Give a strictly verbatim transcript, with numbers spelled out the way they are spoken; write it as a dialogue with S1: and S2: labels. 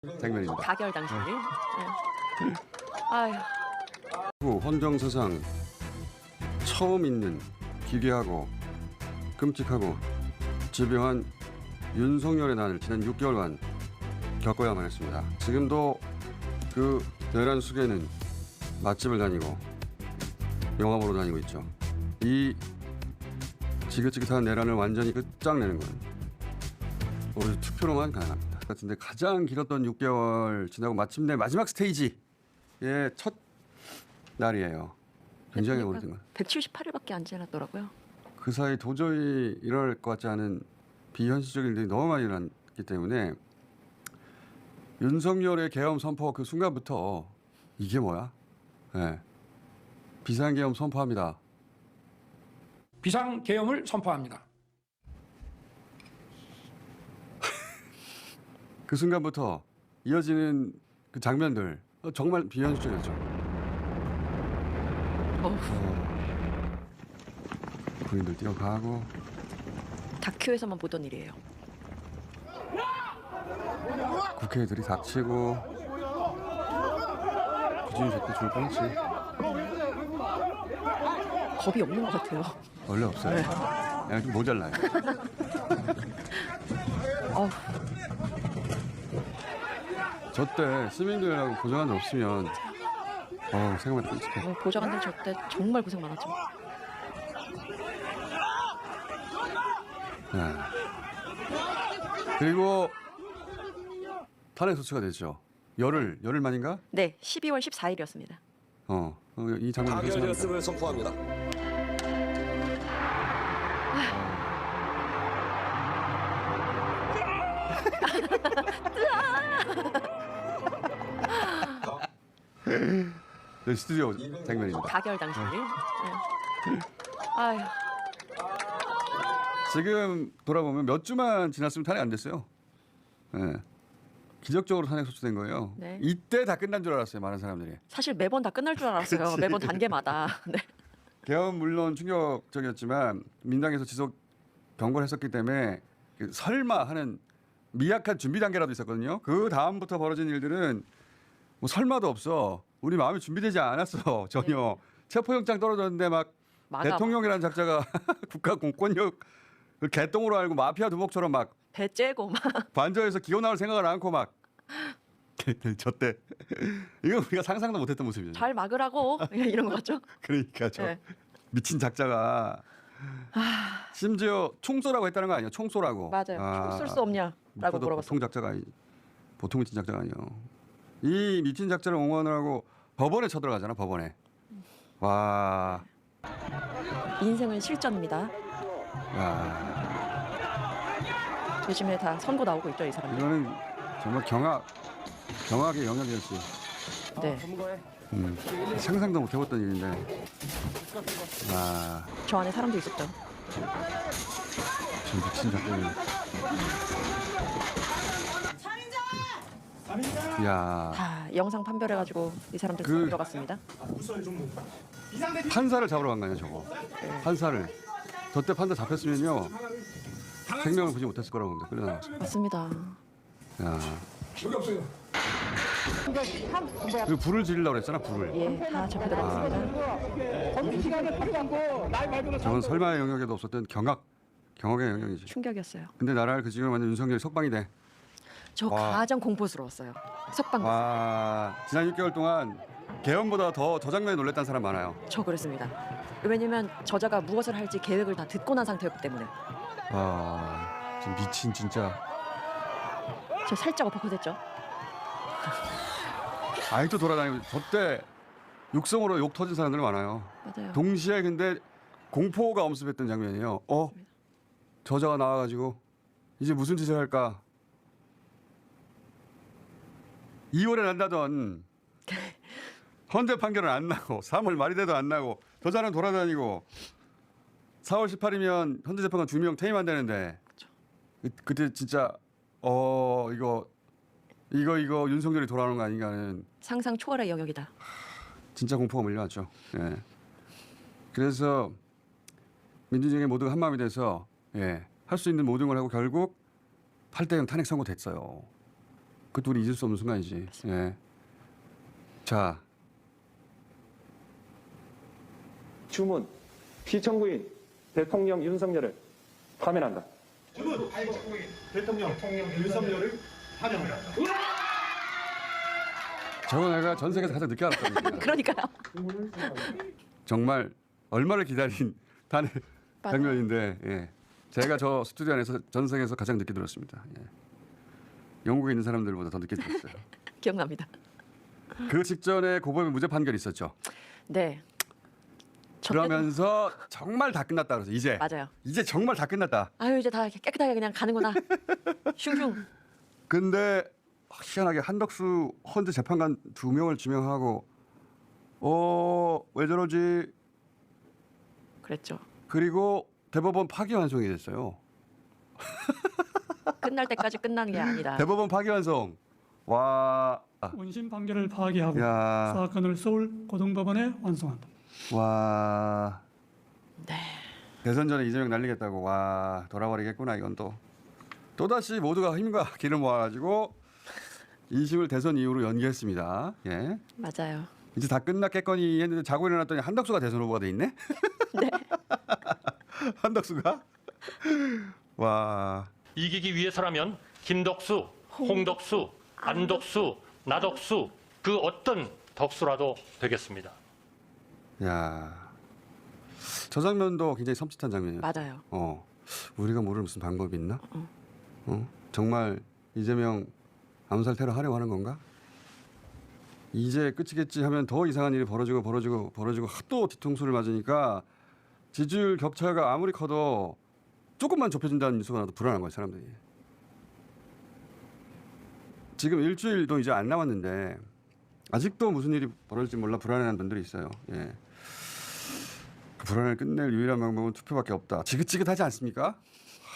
S1: 장면입니다.
S2: 가결 당시. 네. 네. 아휴.
S1: 헌정사상 처음 있는 기괴하고 끔찍하고 집요한 윤석열의 난을 지난 육 개월간 겪어야만 했습니다. 지금도 그 내란 속에는 맛집을 다니고 영화 보러 다니고 있죠. 이 지긋지긋한 내란을 완전히 끝장내는 건 오로지 투표로만 가능합니다. 같은데 가장 길었던 육 개월 지나고 마침내 마지막 스테이지의 첫 날이에요. 굉장히 오래된 걸.
S2: 백칠십팔 일밖에 안 지났더라고요.
S1: 그 사이 도저히 일어날 것 같지 않은 비현실적인 일들이 너무 많이 일어났기 때문에 윤석열의 계엄 선포 그 순간부터 이게 뭐야? 네. 비상계엄 선포합니다.
S3: 비상계엄을 선포합니다.
S1: 그 순간부터 이어지는 그 장면들 정말 비현실적이었죠.
S2: 어후.
S1: 어, 군인들 뛰어가고
S2: 다큐에서만 보던 일이에요.
S1: 국회의들이 닥치고 부진이 새끼 죽을 뻔했지.
S2: 겁이 없는 것 같아요.
S1: 원래 없어요.
S2: 네.
S1: 그냥 좀 모자라요.
S2: 어후.
S1: 저 때 시민들하고 보좌관들 없으면 어 생각만 끔찍해.
S2: 어, 보좌관들 저 때 정말 고생 많았죠.
S1: 네. 그리고 탄핵 소추가 됐죠. 열흘 열흘 만인가?
S2: 네, 십이월 십사일이었습니다.
S1: 어, 어, 이 장면
S4: 가결되었음을 선포합니다.
S1: 네, 스튜디오 장면입니다.
S2: 가결 당시. 네. 아휴.
S1: 지금 돌아보면 몇 주만 지났으면 탄핵 안 됐어요. 네. 기적적으로 탄핵 소추된 거예요.
S2: 네.
S1: 이때 다 끝난 줄 알았어요. 많은 사람들이.
S2: 사실 매번 다 끝날 줄 알았어요.
S1: 그치.
S2: 매번 단계마다. 네.
S1: 개헌 물론 충격적이었지만 민당에서 지속 경고를 했었기 때문에 그 설마 하는 미약한 준비 단계라도 있었거든요. 그 다음부터 벌어진 일들은 뭐 설마도 없어. 우리 마음이 준비되지 않았어. 전혀.
S2: 네.
S1: 체포영장 떨어졌는데 막
S2: 막아.
S1: 대통령이라는 작자가 국가 공권력 그 개똥으로 알고 마피아 두목처럼 막
S2: 배 째고 막.
S1: 관저에서 기어 나올 생각을 않고 막 저때 이건 우리가 상상도 못했던 모습이죠.
S2: 잘 막으라고 이런 거 같죠?
S1: 그러니까 저
S2: 네.
S1: 미친 작자가 심지어 총쏘라고 했다는 거 아니에요? 총쏘라고.
S2: 맞아요. 총 쏠 수 없냐라고
S1: 보통
S2: 물어봤어요.
S1: 작자가 아니, 보통 미친 작자가 아니에요. 이 미친 작자를 옹호하느라고 법원에 쳐들어가잖아. 법원에. 와.
S2: 인생은 실전입니다.
S1: 야.
S2: 요즘에 다 선고 나오고 있죠, 이 사람들.
S1: 이거는 정말 경악, 경악의 영역이었지.
S2: 네.
S1: 음, 상상도 못 해봤던 일인데. 와.
S2: 저 안에 사람도 있었죠.
S1: 저 미친 작자는. 야.
S2: 다 영상 판별해가지고 이 사람들
S1: 그-
S2: 들어갔습니다.
S1: 판사를 잡으러 간 거 아니야, 저거. 판사를. 저때 판사 잡혔으면요. 생명을 구지 못했을 거라고 봅니다. 끌려나왔어.
S2: 맞습니다.
S1: 야. 그리고 불을 지르려고 그랬잖아, 불을.
S2: 예, 다 잡혀 들어갔습니다.
S1: 저건 설마의 영역에도 없었던 경악, 경악의 영역이지.
S2: 충격이었어요.
S1: 근데 나라를 그 지금 완전 윤석열이 석방이 돼.
S2: 저
S1: 와.
S2: 가장 공포스러웠어요. 석방.
S1: 와, 지난 육 개월 동안 개헌보다 더 저 장면에 놀랬다는 사람 많아요.
S2: 저 그랬습니다. 왜냐면 저자가 무엇을 할지 계획을 다 듣고 난 상태였기 때문에.
S1: 와, 지금 미친 진짜.
S2: 저 살짝 엎어컷했죠.
S1: 아직도 돌아다니고 저때 육성으로 욕 터진 사람들 많아요.
S2: 맞아요.
S1: 동시에 근데 공포가 엄습했던 장면이에요. 어? 저자가 나와가지고 이제 무슨 짓을 할까? 이월에 난다던 헌재 판결은 안 나고 삼월 말이 돼도 안 나고 저자는 돌아다니고 사월 십팔이면 헌재 재판관 두 명 퇴임한다는데 그, 그때 진짜 어 이거 이거 이거 윤석열이 돌아오는 거 아닌가 하는
S2: 상상 초월의 영역이다.
S1: 진짜 공포가 몰려왔죠. 예. 그래서 민주주의 모두가 한 마음이 돼서 예, 할 수 있는 모든 걸 하고 결국 팔 대 영 탄핵 선고됐어요. 그것도 우리 잊을 수 없는 순간이지. 예. 자,
S3: 주문 피청구인 대통령 윤석열을 파면한다.
S4: 주문 대통령 윤석열을 환영합니다.
S1: 저거 내가 전 세계에서 가장 늦게 알았던 얘기야.
S2: 그러니까요.
S1: 정말 얼마를 기다린 단의
S2: 맞아요.
S1: 장면인데, 예. 제가 저 스튜디오 안에서 전 세계에서 가장 늦게 들었습니다. 예. 영국에 있는 사람들보다 더 늦게 들었어요.
S2: 기억납니다.
S1: 그 직전에 고범의 무죄 판결이 있었죠.
S2: 네. 저 때도-
S1: 그러면서 정말 다 끝났다 그래서 이제
S2: 맞아요.
S1: 이제 정말 다 끝났다.
S2: 아유 이제 다 깨끗하게 그냥 가는구나. 슝슝.
S1: 근데 희한하게 한덕수 헌재 재판관 두 명을 지명하고 어 왜 저러지?
S2: 그랬죠.
S1: 그리고 대법원 파기환송이 됐어요.
S2: 끝날 때까지 끝나는 게 아니다.
S1: 대법원 파기환송. 와. 아,
S5: 원심 판결을 파기하고
S1: 야.
S5: 사건을 서울 고등법원에 완송한다.
S1: 와.
S2: 네.
S1: 대선 전에 이재명 날리겠다고 와 돌아버리겠구나 이건 또 또다시 모두가 힘과 기를 모아가지고 이심을 대선 이후로 연기했습니다. 예.
S2: 맞아요.
S1: 이제 다 끝났겠거니 했는데 자고 일어났더니 한덕수가 대선 후보가 돼 있네.
S2: 네.
S1: 한덕수가 와.
S6: 이기기 위해서라면 김덕수, 홍덕수, 안덕수, 나덕수 그 어떤 덕수라도 되겠습니다.
S1: 야. 저 장면도 굉장히 섬찟한 장면이에요.
S2: 맞아요.
S1: 어. 우리가 모르는 무슨 방법이 있나? 어? 정말 이재명 암살 테러 하려고 하는 건가? 이제 끝이겠지 하면 더 이상한 일이 벌어지고 벌어지고 벌어지고 또 뒤통수를 맞으니까 지지율 격차가 아무리 커도 조금만 좁혀진다는 뉴스가 나도 불안한 거예요, 사람들이. 지금 일주일도 이제 안 남았는데 아직도 무슨 일이 벌어질지 몰라 불안해하는 분들이 있어요. 예. 그 불안을 끝낼 유일한 방법은 투표밖에 없다. 지긋지긋하지 않습니까?